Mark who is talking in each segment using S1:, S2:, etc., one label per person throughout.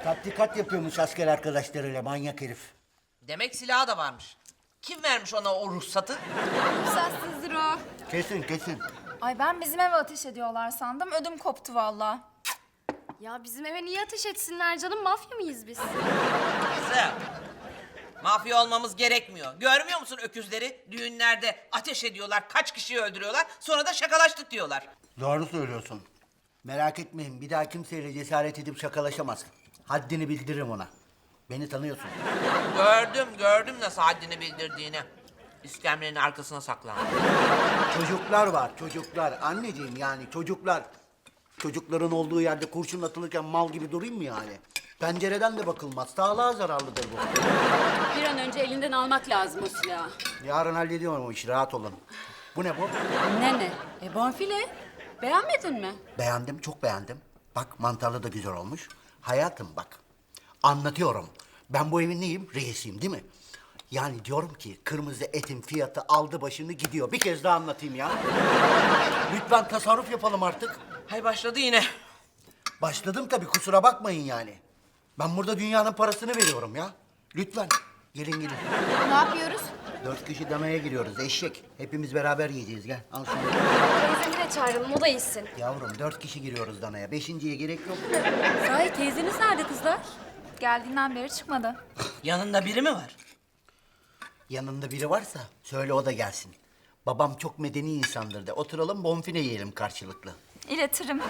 S1: Tatbikat yapıyormuş asker arkadaşlarıyla manyak herif.
S2: Demek silahı da varmış. Kim vermiş ona o ruhsatı?
S3: Ruhsatsızdır o.
S1: Kesin kesin.
S3: Ay ben bizim eve ateş ediyorlar sandım. Ödüm koptu vallahi.
S4: Ya bizim eve niye ateş etsinler canım? Mafya mıyız biz?
S2: Kızım. Mafya olmamız gerekmiyor. Görmüyor musun öküzleri? Düğünlerde ateş ediyorlar, kaç kişiyi öldürüyorlar. Sonra da şakalaştık diyorlar.
S1: Doğru söylüyorsun. Merak etmeyin bir daha kimseyle cesaret edip şakalaşamaz. Haddini bildiririm ona. Beni tanıyorsun.
S2: Gördüm nasıl haddini bildirdiğini. İskemlenin arkasına saklandı.
S1: Çocuklar var çocuklar. Anneciğim yani çocuklar. Çocukların olduğu yerde kurşun atılırken mal gibi durayım mı yani? Pencereden de bakılmaz. Sağlığa zararlıdır bu.
S5: Bir an önce elinden almak lazım o silahı.
S1: Yarın hallediyorum o işi rahat olun. Bu ne bu?
S5: Ne? Bonfile. Beğenmedin mi?
S1: Beğendim, çok beğendim. Bak mantarlı da güzel olmuş. Hayatım bak, anlatıyorum. Ben bu evin neyim? Reisiyim değil mi? Yani diyorum ki kırmızı etin fiyatı aldı başını gidiyor. Bir kez daha anlatayım ya. Lütfen tasarruf yapalım artık.
S2: Hay başladı yine.
S1: Başladım tabii kusura bakmayın yani. Ben burada dünyanın parasını veriyorum ya. Lütfen gelin gelin.
S3: Ne yapıyoruz?
S1: 4 kişi damaya giriyoruz eşek. Hepimiz beraber yiyeceğiz gel. Al şunu.
S4: Teyzemi de çağıralım, o da yesin.
S1: Yavrum 4 kişi giriyoruz danaya. Beşinciye gerek yok.
S5: Sahi teyzeniz nerede kızlar?
S3: Geldiğinden beri çıkmadı.
S2: Yanında biri mi var?
S1: Yanında biri varsa söyle o da gelsin. Babam çok medeni insandır de oturalım bonfile yiyelim karşılıklı.
S3: İletirim.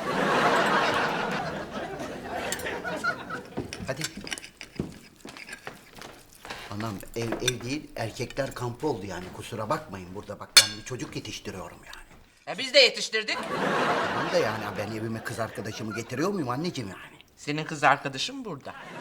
S1: Hadi. Anam ev değil erkekler kampı oldu yani kusura bakmayın burada bak ben bir çocuk yetiştiriyorum yani.
S2: Biz de yetiştirdik.
S1: Tamam da yani ben evime kız arkadaşımı getiriyor muyum anneciğim yani?
S2: Senin kız arkadaşın burada.